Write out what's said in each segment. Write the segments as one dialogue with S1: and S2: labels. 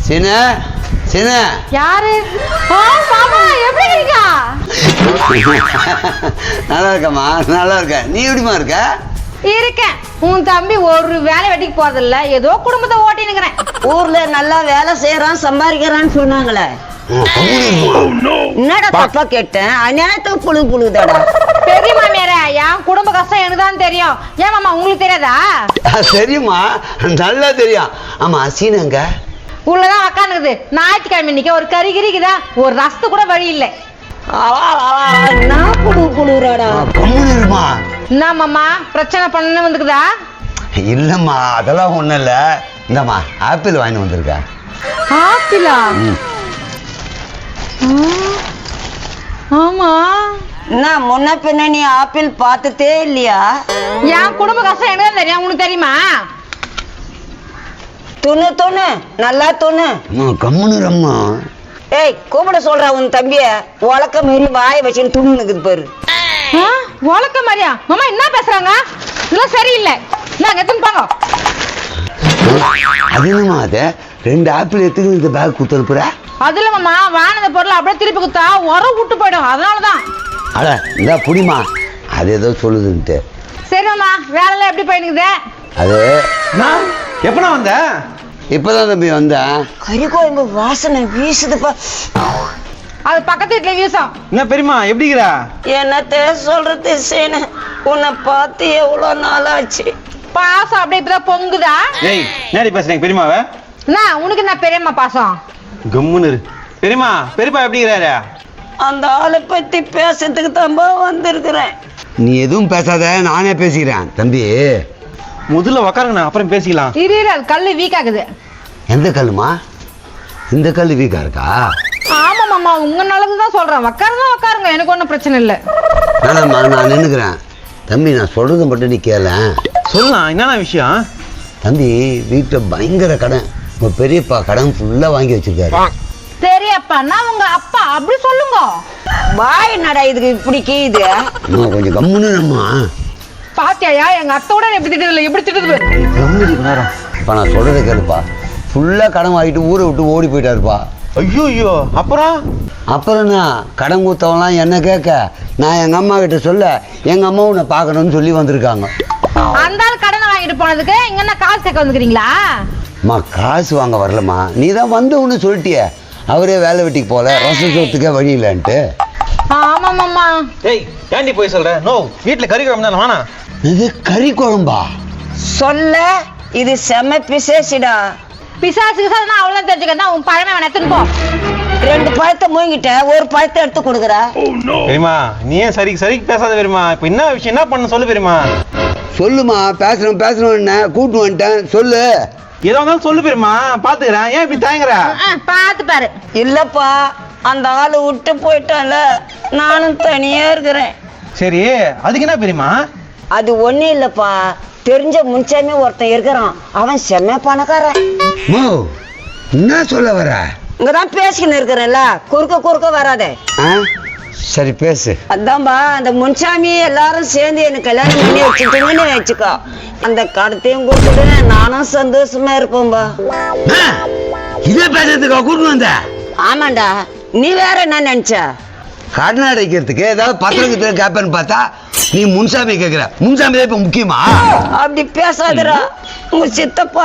S1: சீன சீன
S2: யாரு? மாமா எப்படி இருக்கீங்க?
S1: நல்லா இருக்கம்மா, நல்லா இருக்க. நீ எப்படிமா இருக்க?
S2: இருக்கேன். உன் தம்பி ஒரு வேலை வெட்டிக்கு போறதில்ல, ஏதோ குடும்பத்தை ஓட்டினுக்கிறேன்.
S3: ஊர்ல நல்லா வேலை செய்யறான் சம்பாதிக்கிறான்னு சொன்னாங்களே, என்னடா தப்பா கேட்டேன்? அநியாயத்துக்கு புழுதாடா.
S2: பெரிய மாமியாரே, என் குடும்ப கஷ்டம் எனக்கு தான் தெரியும். ஏன் மாமா உங்களுக்கு தெரியாதா?
S1: தெரியுமா, நல்லா தெரியும். ஆமா சீனங்க
S2: உள்ளதான் உக்காந்துக்குது. ஞாயிற்றுக்கிழமை இன்னைக்கு ஒரு கறி கிரிக்குதா, ஒரு ரசத்து கூட வழி இல்லை.
S3: புழுறாடா.
S2: என்ன மாமா பிரச்சனை பண்ணு வந்துக்குதா?
S1: இல்லம்மா, அதெல்லாம் ஒண்ணும் இல்ல. இந்தம்மா ஆப்பிள் வாங்கி வந்திருக்க.
S2: ஆப்பிளா? ஆமா.
S3: நான் முன்ன பின்ன நீ ஆப்பிள் பார்த்ததே இல்லையா?
S2: என் குடும்ப கஷ்டம் எனக்கு தான் தெரியும், உனக்கு தெரியுமா?
S3: துணு நல்லா துணு.
S1: கம்முனுரம்மா.
S3: ஏய், கூப்பிட சொல்ற உன் தம்பிய. உலக்க மாரி வாய வச்சுன்னு துணுக்குது பாரு.
S2: உலக்க மாதிரியா? மாமா என்ன பேசுறாங்க? இதெல்லாம் சரியில்லை. நாங்க எத்தனை பாங்க.
S1: அது என்னமா, அது 2 ஆப்பிள் எடுத்துக்கு இந்த பேக் குத்து அனுப்புற?
S2: அது இல்ல மாமா, வாங்கின பொருள் அப்படியே திருப்பி குத்தா உரம் விட்டு போயிடும், அதனாலதான்.
S1: அட இந்த புடிமா, அது ஏதோ சொல்லுதுன்ட்டு.
S2: சரி மாமா, வேலைலாம் எப்படி போயினுக்குது?
S1: அது
S4: நான் எப்பனா வந்த?
S1: இப்பதான் தம்பி வந்தேன்.
S3: கறி கோயம்பு வாசனை வீசுதுப்பா.
S2: அது பக்கத்து வீட்டுல வீசம்.
S4: என்ன பெரியமா எப்படிங்கிறா?
S3: என்னத்த சொல்றது சேன, உன்னை பார்த்து எவ்வளவு நாள் ஆச்சு.
S2: பாசம் அப்படியே இப்பதான் பொங்குதா?
S4: ஏய், நேரடி பேசுறேன் பெரியமாவ.
S2: என்ன உனக்கு என்ன பெரியம்மா பாசம்?
S4: கம்முன்னு இரு. பெரியமா, பெரியப்பா எப்படிங்கிறாரு?
S3: அந்த ஆளை பத்தி பேசுறதுக்கு தான் வந்திருக்கிறேன்.
S1: நீ எதுவும் பேசாத, நானே பேசிக்கிறேன். தம்பி
S4: முதல்ல உக்காருங்க, அப்புறம் பேசிக்கலாம்.
S2: இரு அது கல்லு வீக் ஆகுது.
S1: எந்த கல்லுமா? இந்த கல் வீக்கா இருக்கா?
S2: ஆமா மாமா, உங்க நல்லதுதான் சொல்றேன். உக்காருதான் உக்காருங்க, எனக்கு ஒன்றும் பிரச்சனை இல்லை.
S1: நானாம்மா, நான் நின்னுக்கிறேன். தம்பி நான் சொல்றது மட்டும் நீ கேள.
S4: சொல்லலாம், என்னென்ன விஷயம்?
S1: தம்பி வீட்டில் பயங்கர கடன். உங்க பெரியப்பா கடன் ஃபுல்லா வாங்கி வச்சிருக்காரு.
S2: பெரியப்பான்னா உங்க அப்பா, அப்படி சொல்லுங்க.
S3: வாய் நடா இதுக்கு இப்படி கீது.
S1: கொஞ்சம் கம்முன்னு நம்மா.
S2: பாத்தியா எங்க அத்தோட எப்படி திட்டதில்லை, எப்படி திட்டது?
S4: நேரம்
S1: இப்போ நான் சொல்றதை கேளுப்பா. ஃபுல்லா கடன் வாங்கிட்டு ஊரை விட்டு ஓடி போயிட்டாருப்பா.
S4: ஐயோ, அப்புறம்
S1: என்ன, கடன் கூத்தவெல்லாம் என்ன கேட்க, நான் எங்க அம்மா கிட்ட சொல்ல, எங்க அம்மா உன்னை பார்க்கணும்னு சொல்லி வந்திருக்காங்க.
S2: அந்த ஆள் கடனை வாங்கிட்டு போனதுக்கு இங்க என்ன காசு கேட்க வந்துக்கிறீங்களா?
S1: அம்மா காசு வாங்க வரலம்மா, நீ தான் வந்து ஒன்று சொல்லிட்டிய. அவரே வேலை வெட்டிக்கு போல, ரசம் சோத்துக்கே வழி இல்லைன்ட்டு.
S2: ஆமா மாமா.
S4: ஏய், ஏண்டி போய் சொல்ற? நோ, வீட்டுல கறி குழம்பு தானே, வேணா.
S1: இது கறி குழம்பா?
S3: சொல்ல இது செம்ம பிசேசிடா.
S2: பிசாசுக்கு சார் அவ்வளவு தெரிஞ்சுக்கதான் உன் பழமை வேணா எடுத்துன்னு போ.
S3: 2 பழத்தை மூங்கிட்ட, ஒரு பழத்தை எடுத்து கொடுக்குற.
S4: பெரியமா, நீ ஏன் சரிக்கு பேசாத பெரியமா? இப்ப என்ன விஷயம், என்ன பண்ண சொல்லு பெரியமா.
S1: சொல்லுமா, பேசணும் என்ன கூட்டு வந்துட்டேன், சொல்லு.
S4: ஏதோ இருந்தாலும் சொல்லு பெரியமா, பாத்துக்கிறேன். ஏன் இப்படி தாங்குற?
S2: பாத்து பாரு.
S3: இல்லப்பா, அந்த ஆளு விட்டு போயிட்டான்ல, நானும் தனியா இருக்கிறேன்.
S4: சரி, அதுக்கு என்ன பெரியமா?
S3: அது ஒண்ணும் இல்லப்பா, தெரிஞ்ச முன்சாமி ஒருத்தன் இருக்கிறான். அவன் செம்ம பணக்காரன்.
S1: என்ன சொல்ல வர?
S3: இங்கதான் பேசிக்கின்னு இருக்கிறேன்ல, குறுக்க வராத.
S1: சரி பேசு.
S3: அதான்பா, அந்த முன்சாமி எல்லாரும் சேர்ந்து எனக்கு கல்யாணம் பண்ணி வச்சுட்டீங்கன்னு வச்சுக்கோ, அந்த கடத்தையும் கொடுத்துட்டு நானும் சந்தோஷமா இருப்போம்பா.
S1: இதே பேசுறதுக்கா கூட்டு வந்த?
S3: ஆமாண்டா, நீ வேற என்ன நினைச்ச?
S1: கடன் அடைக்கிறதுக்கு ஏதாவது பத்திரத்துல கேப்பன்னு பார்த்தா நீ முன்சாமி கேக்குற. முன்சாமி தான் இப்ப முக்கியமா?
S3: அப்படி பேசாதடா, உங்க சித்தப்பா.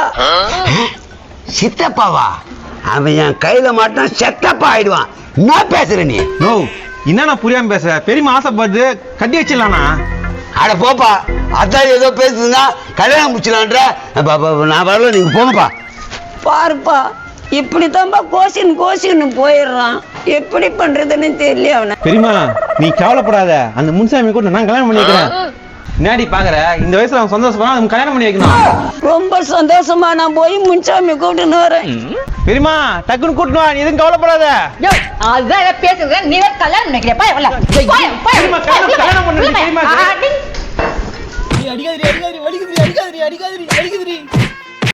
S1: சித்தப்பாவா? அவன் என் கையில மாட்டான் செத்தப்பா ஆயிடுவான். என்ன பேசுற நீ?
S4: நோ, என்னன்னா புரியாம பேச? பெரியமா ஆசைப்பட்டு கட்டி வச்சிடலானா?
S1: அட போப்பா, அதான் ஏதோ பேசுதுன்னா கல்யாணம் முடிச்சலான்ற. நான் வரல, நீங்க போங்கப்பா.
S3: பாருப்பா, இப்படித்தான்பா கோசின்னு போயிடுறான். எப்படி பண்றதுன்னு தெரியல அவனை.
S4: பெரியமா, நீ கவலைப்படாத. அந்த முன்சாமி கூட நான் கல்யாணம் பண்ணி வைக்கிறேன். முன்னாடி பாக்குற, இந்த வயசுல அவன் சந்தோஷமா அவன் கல்யாணம் பண்ணி வைக்கணும்.
S3: ரொம்ப சந்தோஷமா நான் போய் முன்சாமி கூட்டுன்னு வரேன்.
S4: பெரியமா, டக்குன்னு கூட்டினு வா, நீ எதுவும் கவலைப்படாத.
S2: அதுதான் பேசுறது. நீ கல்யாணம் நினைக்கிறப்பா?
S4: கல்யாணம் பண்ணு.
S5: அடிக்காதிரி